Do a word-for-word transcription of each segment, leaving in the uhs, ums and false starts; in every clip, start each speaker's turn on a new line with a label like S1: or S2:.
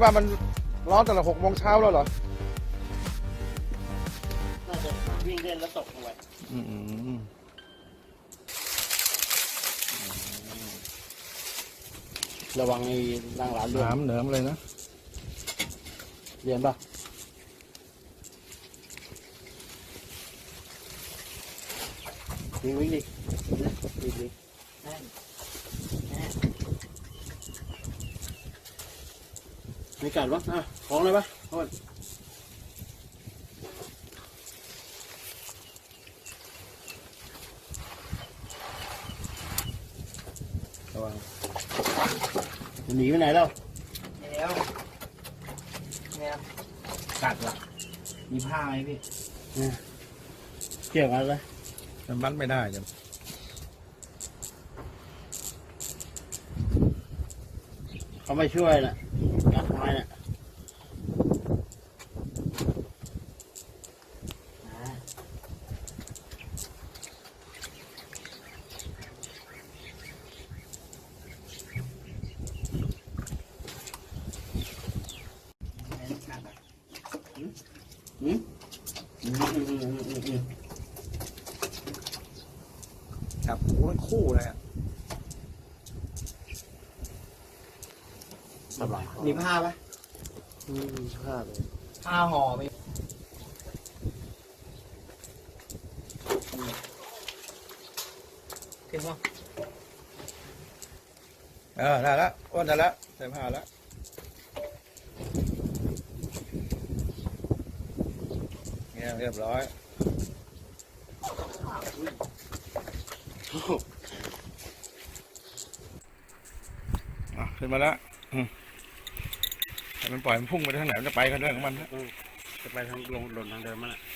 S1: ว่ามันร้อนแต่ละหกโมงเช้าแล้วเหรอ
S2: น่าจะวิ่งเล่นแล้วตกลงไป
S1: อืม
S2: ระวังไอ้นั่งร้านเรือน
S1: น้ำเหนิมเลยนะ
S2: เรียนป่ะวิ่งวิ่งดิวิ่งดิแน่นแน่นไม่กัดวะอ่ะของเลยปะโทษระวังจะหนีไปไหนแล้วแล้วแล้วกัดวะมีผ้าไหมพี่เนี่ยเกี่ยวกันเลย
S1: มันมัดไม่ได้จ้ะ
S2: เขาไม่ช่วยน่ะกัดทำไมน่ะอืมอืมอืมอืมอืมอืม
S1: จับหูทั้งคู่เลยอ่ะ
S2: สบายมีผ้าไหมมีผ้าเลยผ้าห่อไหมเก่งป่ะ
S1: เออได้แล้วอ้วนได้แล้วใส่ผ้าแล้วเนี่ยเรียบร้อยอ่ะขึ้นมาแล้วอืมให้มันปล่อยมันพุ่งไปทางไหนมันจะไปกันเรื่องของมันนะ
S2: จะไปทางลงหล่นทางเดิมมั้งน่ะ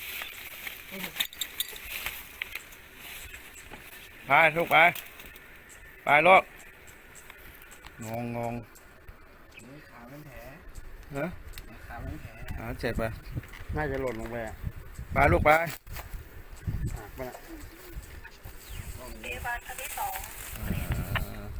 S1: ไปลูกไปไปลูกงงงง
S2: ขาเป็นแผล
S1: ฮะ
S2: ขาเป็นแผล
S1: อ่าเจ็บไป
S2: น่าจะหล่นลงไปอ่ะ
S1: ไปลูกไป
S2: หักไปละ
S3: พยาบาลท่านที่สอง
S1: อ่า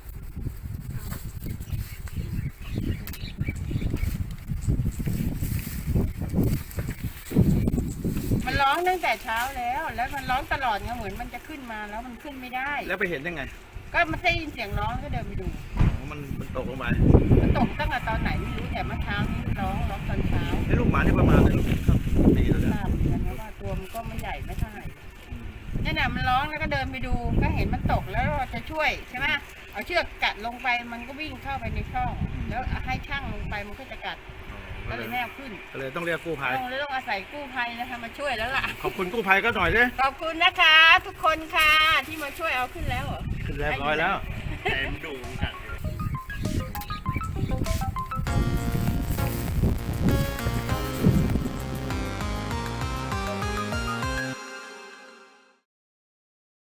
S3: มันร้องตั้งแต่เช้าแล้ว แล้วมันร้องตลอดไงเหมือนมันจะขึ้นมาแล้วมันขึ้นไม่ได้
S1: แล้วไปเห็นยังไง
S3: ก็มันได้ยินเสียงร้องก็เดินไปดู
S1: อ๋อมันมันตกลงไป
S3: มันตกตั้งแต่ตอนไหนไม่รู้แต่เมื่อเช้านี้ร้องร้องตอนเช้า
S1: ไอ้ลูกหมาที่ประมาณเลยลูกครับดีแล้ว
S3: ท
S1: เนี่ย
S3: ราบเหมือนกันนะว่าตัวมันก็ไม่ใหญ่ไม่เท่าไหร่นั่นน่ะมันร้องแล้วก็เดินไปดูก็เห็นมันตกแล้วเราจะช่วยใช่ไหมเอาเชือกกัดลงไปมันก็วิ่งเข้าไปในช่องแล้วให้ช่างลงไปมันก็จะกัด
S1: ก็
S3: ก็
S1: เล
S3: เลย ยแนบขึ้น
S1: ก็เลยต้องเรียกกู้ภัย
S3: ต้องเลยต้องอาศัยกู้ภัยนะคะมาช่วยแล้วล่ะ
S1: ขอบคุณกู้ภัยก็หน่อยสิ
S3: ขอบคุณนะคะ ทุกคนค่ะที่มาช่วยเอาขึ้นแล้วเหรอ
S1: ขึ้นเรียบร้อยแล้ว
S2: แต่มันดุมันกัด